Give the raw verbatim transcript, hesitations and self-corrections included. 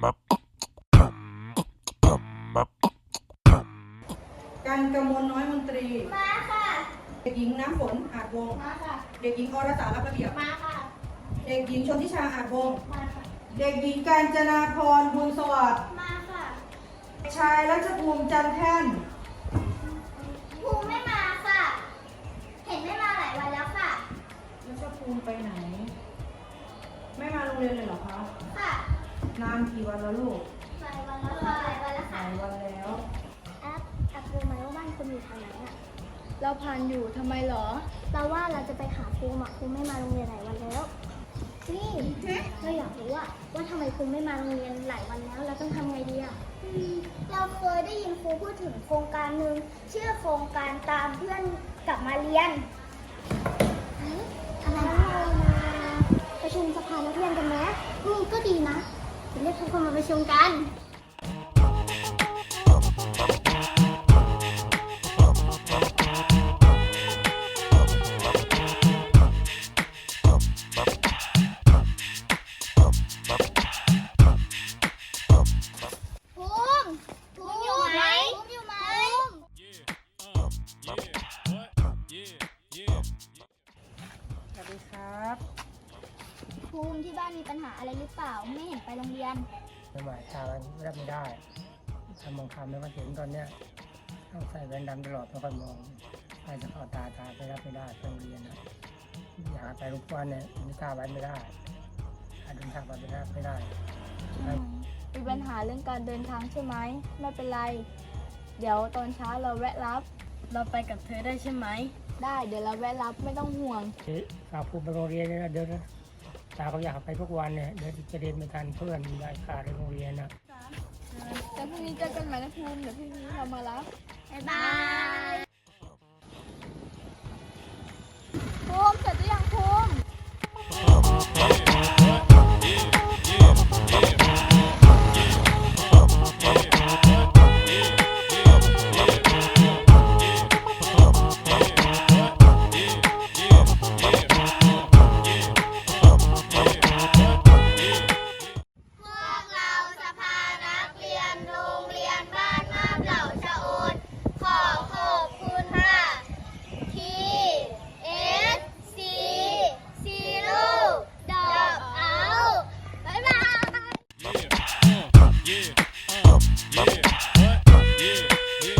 กันกมลน้อยมนตรีมาค่ะเด็กหญิงน้ำฝนอาจวงศ์มาค่ะเด็กหญิงอรสารับระเบียบมาค่ะเด็กหญิงชนทิชาอาจวงศ์มาค่ะเด็กหญิงกาญจนาพรบุญสวัสดิ์มาค่ะเด็กชายรัชภูมิจันทร์แท่นภูมิไม่มาค่ะ เห็นไม่มาหลายวันแล้วค่ะรัชภูมิไปไหน ไม่มาโรงเรียนเลยเหรอคะค่ะนานกี่วันแล้วลูกหลายวันแล้วค่ะหลายวันแล้วหค่ะลายวันแล้วแอปแอปรู้ไหมว่าบ้านคุณอยู่ทางไหนอ่ะเราผ่านอยู่ทำไมหรอเราว่าเราจะไปหาครูอ่ะครูไม่มาโรงเรียนหลายวันแล้ว นี่เราอยากรู้ว่าว่าทำไมครูไม่มาโรงเรียนหลายวันแล้วเราต้องทำไงดีอ่ะเราเคยได้ยินครูพูดถึงโครงการหนึ่งชื่อโครงการตามเพื่อนกลับมาเรียนอะไรเรามาประชุมสภานักเรียนกันไหมอืมก็ดีนะเดี๋ยวเรียกทุกคนมาประชุมกันภูมิภูมิอยู่ไหมภูมิอยู่ไหมสวัสดีครับภูมิที่บ้านมีปัญหาอะไรหรือเปล่าไม่เห็นไปโรงเรียนไม่ไหวตารับไม่ได้ทำมองคำไม่ค่อยเห็นตอนเนี้ยต้องใส่แว่นดำตลอดไม่ค่อยมองใครจะเข้าตาตาไปรับไม่ได้ไปโรงเรียนนะอยากไปทุกวันเนี่ยไม่กล้าไว้ไม่ได้ถ้าเดินทางไปไม่ได้ไม่ได้มีปัญหาเรื่องการเดินทางใช่ไหม ไม่เป็นไร เดี๋ยวตอนเช้าเราแวะรับ เราไปกับเธอได้ใช่ไหม ได้ เดี๋ยวเราแวะรับไม่ต้องห่วงฝากพูดไปโรงเรียนเลยนะเดี๋ยวนะตาเขาอยากไปทุกวันเนี่ยเดี๋ยวจะเรียนไม่ทันเพื่อนมีรายขาดในโรงเรียนนะแต่พรุ่งนี้เจอกันใหม่นะภูมิเดี๋ยวพรุ่งนี้เรามารับบ๊ายบายภูมิเสร็จ